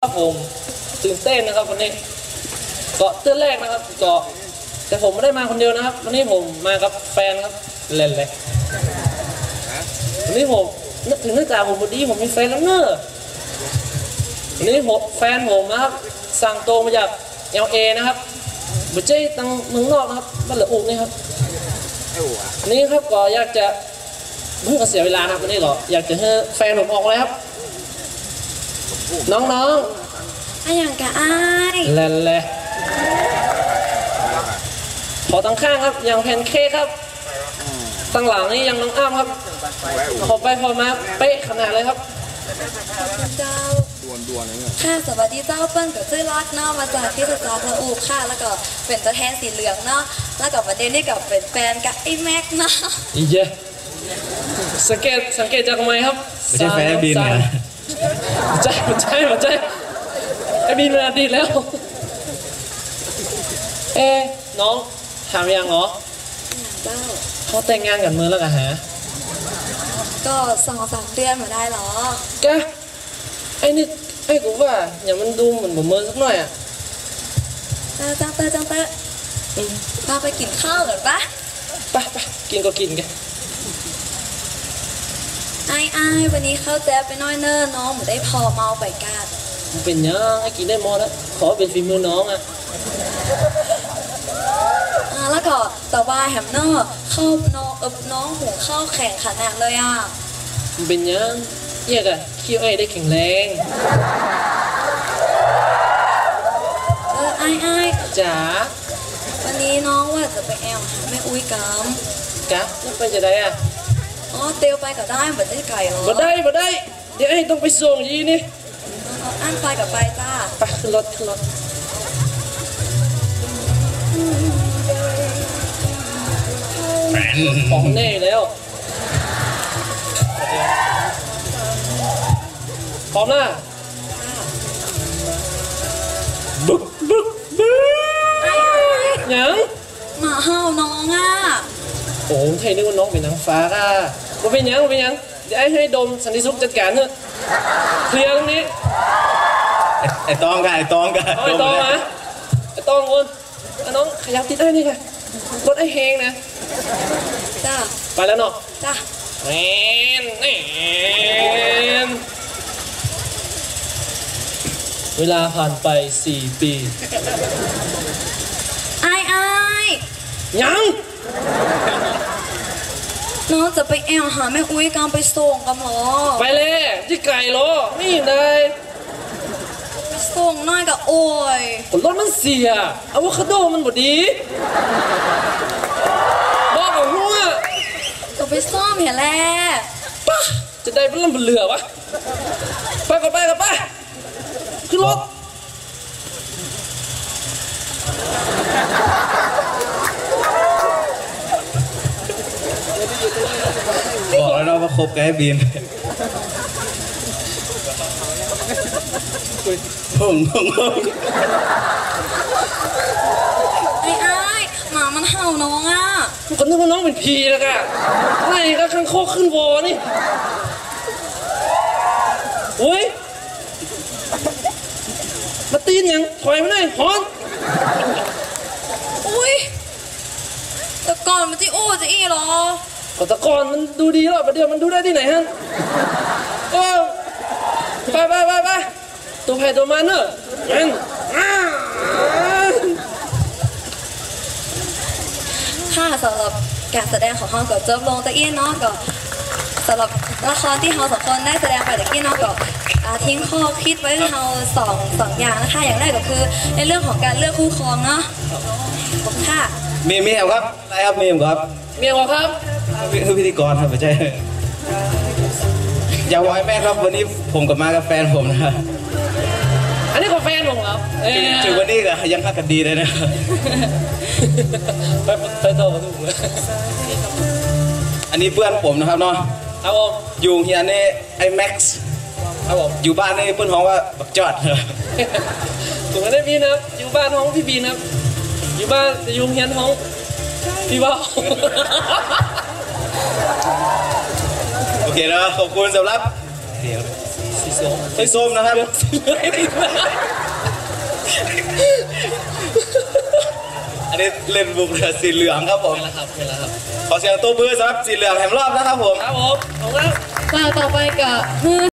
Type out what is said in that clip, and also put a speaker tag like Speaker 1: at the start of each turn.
Speaker 1: ครับผมตื่นเต้นนะครับวันนี้เกาะเตื้อแรกนะครับเกาะแต่ผมไม่ได้มาคนเดียวนะครับวันนี้ผมมากับแฟนครับเล่นเลยวันนี้ผมนึกถึงนึกจากผมพอดีผมมีแฟนแล้วเนอะวันนี้แฟนผมนะครับสั่งตรงมาจากLAนะครับบุเจ้ตั้งเมืองนอกนะครับบ้านเหลืออุกนี่ครับนี่ครับก็อยากจะเพิ่งเสียเวลาครับวันนี้ก็อยากจะให้แฟนผมออกเลยครับน้อง
Speaker 2: ๆอะไรอย่างกะอ้าย
Speaker 1: เล่นเลยขอตั้งข้างครับอย่างแพนเค้กครับตั้งหลังนี่ยังน้องอ้ามครับขอไปพอมาเป๊ะขนาดเลยครับ
Speaker 2: เจ้าดวนค่ะสวัสดีเจ้าเปิ้ลกับชื่อรักเนาะมาจากที่สจพระอูค่ะแล้วก็เป็นตัวแทนสีเหลืองเนาะแล้วก็ประเด็นนี่กับเป็นแฟนกับไอ้แม็กเนาะ
Speaker 1: อีเจสังเกตจากทำไมครับ
Speaker 3: ไม่ใช่แฟนบินนะ
Speaker 1: ใช่ไอ้บินมาดีแล้วน้องถามยังเหรอ
Speaker 2: เจ้า
Speaker 1: เขาแต่งงานกันมือแล้วกันฮะ
Speaker 2: ก็2-3 เดือนมาได้หรอ
Speaker 1: แกไอ้นี่ไอ้กูว่าอย่ามันดูเหมือนผมเมินสักหน่อยอ่ะ
Speaker 2: จังเตอพาไปกินข้าวก่อนปะ
Speaker 1: ไปกินก็กินกัน
Speaker 2: ไอ้วันนี้เข้าแจ๊บไปน้อยเนอน้องเหมือนได้พอเมาไปกาด
Speaker 1: มันเป็นยังไอ้กินได้หมดแล้วขอเป็นฝีมือน้องอ่ะ
Speaker 2: แล้วก็แต่ว่าแฮมเนอร์เข้าน้องหูเข้าแข่งขนาดเลยอ่ะ
Speaker 1: มันเป็นยังเยี่ยกะคิวไอ้ได้แข็งแรง
Speaker 2: ไอ้
Speaker 1: จ๋า
Speaker 2: วันนี้น้องว่าจะไปแอลหาแม่อุ้ยก
Speaker 1: ำแล้วไปจะได้อ่ะ
Speaker 2: เตียวไปก็ได้เหมือนได้ไก่หรอ
Speaker 1: บ่ได้เดี๋ยวไอ้ต้องไปส่งยีนี่
Speaker 2: อันไปกับไปจ้า
Speaker 1: ไปขึ้นรถของแน่แล้วพร้อมนะบึกยัง
Speaker 2: หมาเห่าน้องอ่ะ
Speaker 1: โอ้ไทยนึกว่าน้องเป็นนางฟ้าอ่ะว่าเป็นยังเดี๋ยวให้ดมสันติสุขจัดการเถอะเคลียร์ตรงนี้
Speaker 3: ไอ้ตองกัน
Speaker 1: ไอ้ตองคนน้องขยับติดได้นี่ค่ะรถไอ้เฮงนะ
Speaker 2: จ้า
Speaker 1: ไปแล้วเนาะ
Speaker 2: จ้า
Speaker 1: แนเวลาผ่านไป4 ปี
Speaker 2: ไอ้
Speaker 1: ยัง
Speaker 2: น้องจะไปแอลหาแม่อุ้ยกำไปส่งกันหรอ
Speaker 1: ไปเลยที่ไก่หรอไม่เห็นเลย
Speaker 2: ไปส่งน้อยกับโอ้ย
Speaker 1: รถมันเสียอะโวคาโดมันบดดีบอกกับหัว
Speaker 2: ก็ไปซ่อมเห็นแล้ว
Speaker 1: ป่ะจะได้เป็นลำเรือวะไปก่อนขึ้นรถ
Speaker 3: บอกแล้วว่าคบกับไอ้บีมผม
Speaker 2: ไอ้หมามันเห่าน้องอ่ะ
Speaker 1: ก็นึกว่าน้องเป็นผีแล้วกันไล่ก็ข้างโคกขึ้นวอนี่โอ้ยมาตีนยังถอยมาหน่อยฮอน
Speaker 2: อุ้ยแต่ก่อนมันจะอู้จะอีหรอ
Speaker 1: ก็แต่ก่อนมันดูดีแล้วประเดี๋ยวมันดูได้ที่ไหนฮะไปตัวแพ้ตัวมันเนอะ
Speaker 2: ค่ะสำหรับการแสดงของเขากับเจิบลงตะเอี้ยนเนาะก็สำหรับละครที่เรา2 คนได้แสดงไปตะกี้เนาะก็ทิ้งข้อคิดไว้ให้เราสองอย่างนะคะอย่างแรกก็คือในเรื่องของการเลือกคู่ครองเนาะค่ะ
Speaker 3: เมียครับอะไรครับเมียครับคือพิธีกรครับไม่ใช่อย่าไว้แม่ครับวันนี้ผมกับมากับแฟนผมนะ
Speaker 1: อันนี้ของแฟนผมครับ
Speaker 3: ถึงวันนี้ก็ยังฮักกันดีเลยนะ
Speaker 1: ไปโตกันถูกเลย
Speaker 3: อันนี้เพื่อนผมนะครับเนาะ
Speaker 1: ครับผม
Speaker 3: อยู่เฮียนี่ไอ้แม็กซ์
Speaker 1: ครับผม
Speaker 3: อยู่บ้านนี่เพื่อนห้องว่าบักจอด
Speaker 1: ถูกไหมพี่นะอยู่บ้านห้องพี่บีนะอยู่บ้านจะอยู่เฮียนห้องพี่บ้า
Speaker 3: โอเคนะขอบคุณสำหรับสีส้มนะครับอันนี้เล่นบุกเลยสีเหลืองครับผม
Speaker 1: เป็นแล้วครับเป็นแล้วครับ
Speaker 3: ขอเสียงตัวมือสำหรับสีเหลืองแห่งรอบนะครับผม
Speaker 1: ครับผมขอบคุณครับ
Speaker 2: มาต่อไปกับ